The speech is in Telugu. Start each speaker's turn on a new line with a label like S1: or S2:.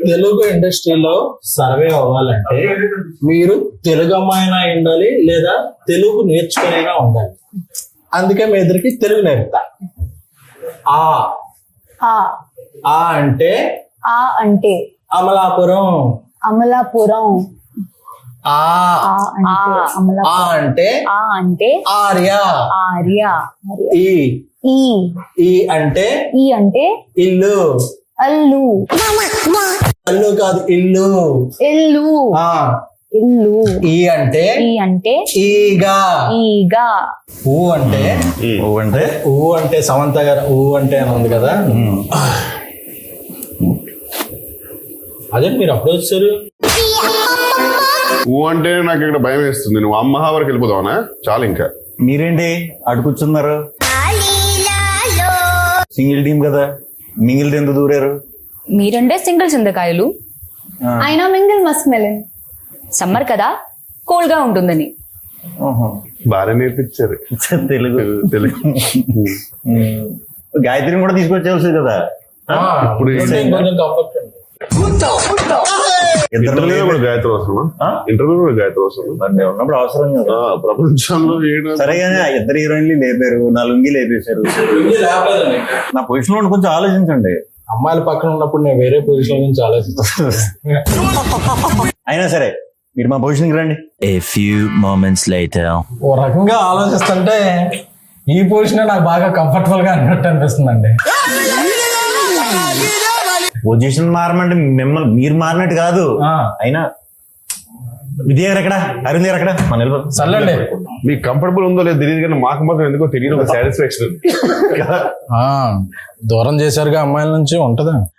S1: తెలుగు ఇండస్ట్రీలో సర్వే అవ్వాలంటే మీరు తెలుగు అమ్మాయినా ఉండాలి లేదా తెలుగు నేర్చుకునేనా ఉండాలి. అందుకే మీ ఇద్దరికి తెలుగు నేర్పుతా. ఆ
S2: ఆ
S1: ఆ అంటే
S2: ఆ అంటే
S1: అమలాపురం.
S2: అమలాపురం.
S1: ఆ
S2: ఆ అంటే
S1: ఆ
S2: అమలాపురం.
S1: అంటే
S2: ఆ అంటే
S1: ఆర్య.
S2: ఆర్య.
S1: ఈ
S2: ఈ
S1: ఈ అంటే
S2: ఈ అంటే
S1: ఇల్లు.
S2: అల్లు.
S1: అల్లు కాదు, ఇల్లు.
S2: ఇల్లు.
S1: ఆ
S2: ఇల్లు.
S1: ఈ అంటే
S2: ఈ అంటే
S1: ఈగా.
S2: ఈగా.
S1: ఊ అంటే ఊ అంటే సమంత గారు ఊ అంటే అని ఉంది కదా. అదే మీరు అప్పుడు వచ్చారు.
S3: ఊ అంటే నాకు ఇక్కడ భయం వేస్తుంది. నువ్వు అమ్మ వరకు వెళ్ళిపోతావునా? చాలు ఇంకా.
S4: మీరేంటి అటు కూర్చున్నారు? సింగిల్ టీం కదా, మింగిల్ ఎందుకు దూరారు?
S5: మీరంటే సింగిల్ చింతకాయలు,
S2: అయినా మింగిల్ మస్క్ మెలిన్.
S5: సమ్మర్ కదా కోల్డ్ గా ఉంటుందని.
S3: బాగా నేర్పించారు
S4: తెలుగు.
S3: తెలుగు.
S4: గాయత్రిని కూడా తీసుకొచ్చేవాల్సింది కదా.
S3: ఇప్పుడు
S1: కొంచెం కంఫర్ట్ ఉంది.
S3: ఇంటర్వ్యూలో కూడా గాయత్రి అవసరమా? ఇంటర్వ్యూలో కూడా గాయత్రి అవసరం
S4: ఉన్నప్పుడు అవసరం కదా.
S3: ప్రపంచంలో
S4: సరే కానీ ఆ ఇద్దరు హీరోయిన్లు లేపారు, నా లుంగి లేపేశారు. నా పొజిషన్ లో కొంచెం ఆలోచించండి.
S1: అమ్మాయిల పక్కన ఉన్నప్పుడు నేను వేరే పొజిషన్ గురించి ఆలోచిస్తాను.
S4: అయినా సరే మీరు మా పొజిషన్కి రండి.
S6: A few moments later.
S1: ఓ రకంగా ఆలోచిస్తుంటే ఈ పొజిషన్ నాకు బాగా కంఫర్టబుల్ గా అన్నట్టు అనిపిస్తుందండి.
S4: పొజిషన్ మారమంటే మిమ్మల్ని మీరు మారినట్టు కాదు. అయినా విద్య గారు ఎక్కడ, అరుణ్ గారు ఎక్కడ? మన
S1: సర్లేండి.
S3: మీకు కంఫర్టబుల్ ఉందో లేదో తెలియదు కానీ మాకు మాత్రం ఎందుకో తెలియదు ఒక సాటిస్ఫాక్షన్.
S1: దూరం చేశారుగా అమ్మాయిల నుంచి ఉంటదా?